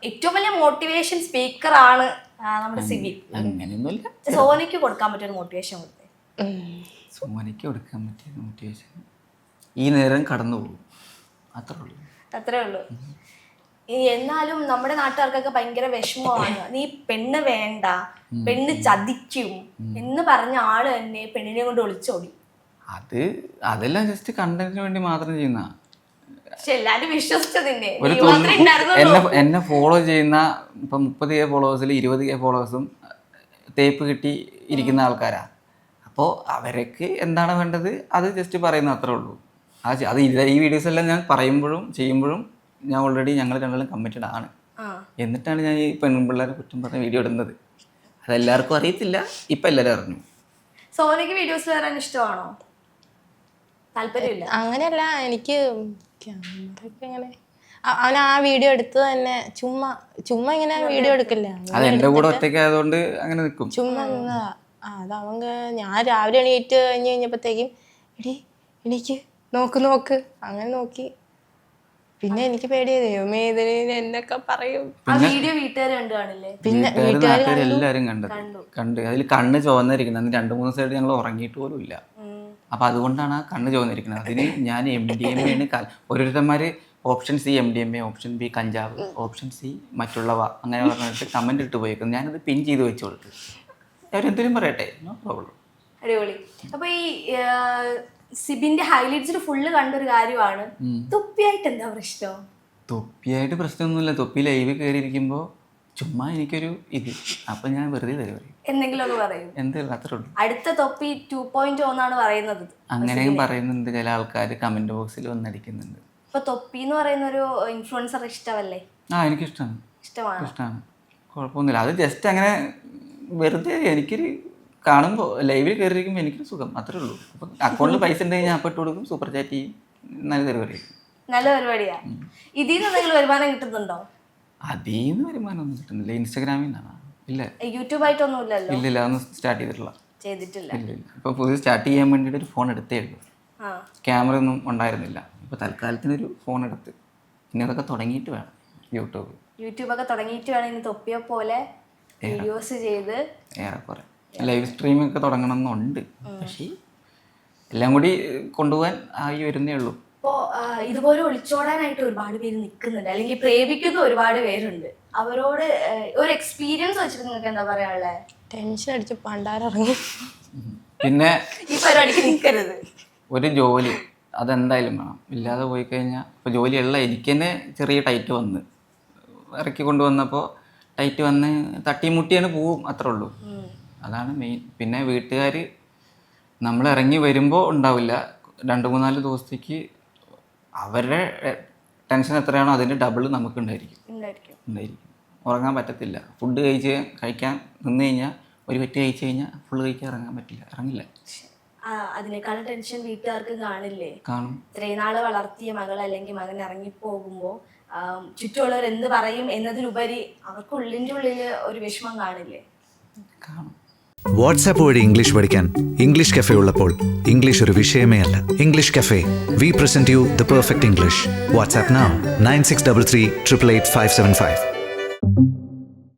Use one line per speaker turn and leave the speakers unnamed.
ഏറ്റവും വലിയ മോട്ടിവേഷൻ സ്പീക്കറാണ് നമ്മുടെ സിബി.
അങ്ങനെയൊന്നുമില്ല.
സോനയ്ക്ക് കൊടുക്കാൻ പറ്റിയ മോട്ടിവേഷൻ കൊടുത്തേ.
സോനയ്ക്ക് കൊടുക്കാൻ പറ്റിയ മോട്ടിവേഷൻ ഈ നേരം കടന്നു പോകും, അത്രേ ഉള്ളൂ.
എന്നാലും നമ്മുടെ നാട്ടുകാർക്കൊക്കെ ഭയങ്കര വിഷമമാണ്. നീ പെണ്ണ് വേണ്ട, പെണ്ണ് ചതിക്കും എന്ന് പറഞ്ഞ ആള് തന്നെ പെണ്ണിനെ കൊണ്ട് ഒളിച്ചോടി.
അതെല്ലാം ജസ്റ്റ് കണ്ടന്റിന് വേണ്ടി മാത്രം ചെയ്യുന്ന.
പക്ഷെ എല്ലാരും വിശ്വസിച്ചതിന്റെ
എന്നെ ഫോളോ ചെയ്യുന്ന ഇപ്പം 30K ഫോളോവേഴ്സിൽ 20K ഫോളോവേഴ്സും തേപ്പ് കിട്ടി ഇരിക്കുന്ന ആൾക്കാരാ. അപ്പോൾ അവർക്ക് എന്താണ് വേണ്ടത് അത് ജസ്റ്റ് പറയുന്ന അത്രേ ഉള്ളൂ. അത് ഈ വീഡിയോസ് എല്ലാം ഞാൻ പറയുമ്പോഴും ചെയ്യുമ്പോഴും ഞാൻ ഓൾറെഡി ഞങ്ങൾ രണ്ടാളും കമ്മിറ്റഡ് ആണ്. എന്നിട്ടാണ് ഞാൻ ഈ പെൺപിള്ളേരെ കുറ്റം പറഞ്ഞ വീഡിയോ ഇടുന്നത്. അതെല്ലാവർക്കും അറിയത്തില്ല, ഇപ്പം എല്ലാവരും അറിഞ്ഞു.
സോനയ്ക്ക് വീഡിയോസ് വരാൻ ഇഷ്ടമാണോ? താല്പര്യമില്ല?
അങ്ങനെയല്ല, എനിക്ക് അങ്ങനെ അവൻ ആ വീഡിയോ എടുത്ത് തന്നെ ചുമ്മാ ഇങ്ങനെ വീഡിയോ എടുക്കില്ല.
അത് എൻ്റെ കൂടെ ഒറ്റയ്ക്ക് ആയതുകൊണ്ട് അങ്ങനെ നിൽക്കും.
ചുമ്മാ അത് അവങ്ക ഞാൻ രാവിലെ എണീറ്റ് കഴിഞ്ഞപ്പോഴത്തേക്കും എനിക്ക് നോക്ക് അങ്ങനെ നോക്കി. പിന്നെ എനിക്ക് പേടിയായി, ദൈവമേ ഇതിന് എന്നൊക്കെ പറയും.
പിന്നെ വീട്ടുകാരെല്ലാരും കണ്ട് അതിൽ കണ്ണ് ചുവന്നിരിക്കുന്നത്. അന്ന് 2-3 ദിവസമായിട്ട് ഞങ്ങൾ ഉറങ്ങിയിട്ട് പോലും ഇല്ല. അപ്പൊ അതുകൊണ്ടാണ് ആ കണ്ണ് ചുവന്നിരിക്കുന്നത്. അതിന് ഞാൻ MDMA ആണ്. ഓരോരുത്തന്മാര് option C MDMA, option B കഞ്ചാവ്, ഓപ്ഷൻ സി മറ്റുള്ളവ അങ്ങനെ പറഞ്ഞിട്ട് കമന്റ് ഇട്ട് പോയേക്കുന്നു. ഞാനത് പിൻ ചെയ്ത് വെച്ചു കൊടുത്തു. അവരെന്തെങ്കിലും പറയട്ടെ, നോ പ്രോബ്ലം.
അടിപൊളി. അപ്പൊ ഈ സിബിന്റെ ഹൈലൈറ്റ്സിൽ ഫുള്ള് കണ്ടൊരു കാര്യമാണ് തൊപ്പിയായിട്ട് എന്താ പ്രശ്നം?
തൊപ്പിയായിട്ട് പ്രശ്നമൊന്നുമില്ല. തൊപ്പി ലൈവ് കയറിയിരിക്കുമ്പോൾ ചുമ്മാ എനിക്കൊരു അപ്പൊ ഞാൻ വെറുതെ തരുവറി
എന്തെങ്കിലും പറയും.
എന്തെങ്കിലും അത്രേ ഉള്ളൂ.
അടുത്ത തൊപ്പി 2.0 എന്നാണ് പറയുന്നത്.
അങ്ങനെയും പറയുന്നുണ്ട് ചില ആൾക്കാർ, കമന്റ് ബോക്സിൽ വന്നടിക്കുന്നുണ്ട്.
ഇപ്പൊ തൊപ്പി എന്ന് പറയുന്ന ഒരു ഇൻഫ്ലുവൻസർ ഇഷ്ടമല്ലേ?
എനിക്കിഷ്ടമാണ്. കുഴപ്പമൊന്നുമില്ല. അത് ജസ്റ്റ് അങ്ങനെ വെറുതെ എനിക്കൊരു കാണുമ്പോൾ ലൈവിൽ കയറിയിരിക്കുമ്പോൾ എനിക്കൊരു സുഖം, അത്രേ ഉള്ളൂ. അപ്പം അക്കൗണ്ടിൽ പൈസ ഉണ്ടെങ്കിൽ ഞാൻ ഇട്ട് കൊടുക്കും, സൂപ്പർ ചാറ്റ് ചെയ്യും. നല്ല
പരിപാടിയാ. ഇതിന്ന് എന്തെങ്കിലും വരുമാനം കിട്ടുന്നുണ്ടോ?
അതിന്ന് വരുമാനമൊന്നും കിട്ടുന്നില്ല. ഇൻസ്റ്റാഗ്രാമിൽ നിന്നാണ്. ഇല്ല,
യൂട്യൂബ് ആയിട്ടൊന്നും ഇല്ലല്ലോ.
ഇല്ല, അതൊന്നും സ്റ്റാർട്ട് ചെയ്തിട്ടില്ല. ഇല്ല. ഇപ്പൊ പുതിയ സ്റ്റാർട്ട് ചെയ്യാൻ വേണ്ടിയിട്ട് ഒരു ഫോൺ എടുത്തേ ഉള്ളൂ. ക്യാമറ ഒന്നും ഉണ്ടായിരുന്നില്ല. ഇപ്പൊ തൽക്കാലത്തിനൊരു ഫോൺ എടുത്ത് ഇനി അതൊക്കെ തുടങ്ങിയിട്ട് വേണം. യൂട്യൂബൊക്കെ
തുടങ്ങിയിട്ട് വേണം ഇനി തൊപ്പിയെ പോലെ വീഡിയോസ് ചെയ്ത്
ഏറെക്കുറെ ലൈവ് സ്ട്രീമൊക്കെ തുടങ്ങണം എന്നുണ്ട്. പക്ഷേ എല്ലാം കൂടി കൊണ്ടുപോകാൻ ആയി വരുന്നേ ഉള്ളൂ.
ഇപ്പോൾ ഇതുപോലെ ഒളിച്ചോടാനായിട്ട് ഒരുപാട് പേര് നിൽക്കുന്നുണ്ട്, അല്ലെങ്കിൽ പ്രേമിക്കുന്ന ഒരുപാട് പേരുണ്ട്. അവരോട് ഒരു എക്സ്പീരിയൻസ് വെച്ചിട്ട് നിങ്ങൾക്ക് എന്താ പറയാനുള്ളത്?
ടെൻഷൻ അടിച്ച് പണ്ടാരിറങ്ങി.
പിന്നെ
ഈ പരിപാടിക്ക് നിൽക്കരുത്.
ഒരു ജോലി അതെന്തായാലും വേണം. ഇല്ലാതെ പോയി കഴിഞ്ഞാൽ ഇപ്പോൾ ജോലിയുള്ള എനിക്ക് തന്നെ ചെറിയ ടൈറ്റ് വന്ന് ഇറക്കി കൊണ്ടുവന്നപ്പോൾ ടൈറ്റ് വന്ന് തട്ടിമുട്ടിയാണ് പോവും, അത്രേ ഉള്ളൂ. അതാണ് മെയിൻ. പിന്നെ വീട്ടുകാർ നമ്മൾ ഇറങ്ങി വരുമ്പോൾ ഉണ്ടാവില്ല, 2-3-4 ദിവസത്തേക്ക് അവരുടെ ടെൻഷൻ എത്രയാണോ അതിൻ്റെ ഡബിൾ നമുക്ക് ഉണ്ടായിരിക്കും. ഉറങ്ങാൻ പറ്റത്തില്ല. ഫുഡ് കഴിക്കാൻ നിന്ന് കഴിഞ്ഞാൽ ഒരു പെറ്റ് കഴിച്ചു കഴിഞ്ഞാൽ ഫുള്ള് കഴിക്കാൻ ഇറങ്ങില്ല.
അതിനേക്കാളും ടെൻഷൻ വീട്ടുകാർക്ക് കാണില്ലേ?
കാണും.
ഇത്രയും നാള് വളർത്തിയ മകൾ അല്ലെങ്കിൽ മകൻ ഇറങ്ങിപ്പോകുമ്പോൾ ചുറ്റുമുള്ളവർ എന്ത് പറയും എന്നതിലുപരി അവർക്ക് ഉള്ളിൻ്റെ ഉള്ളിൽ ഒരു വിഷമം കാണില്ലേ?
കാണും.
വാട്സാപ്പ് വഴി ഇംഗ്ലീഷ് പഠിക്കാൻ ഇംഗ്ലീഷ് കഫേ ഉള്ളപ്പോൾ ഇംഗ്ലീഷ് ഒരു വിഷയമേ അല്ല. English cafe, we present you the perfect English. WhatsApp now 9633 888 575.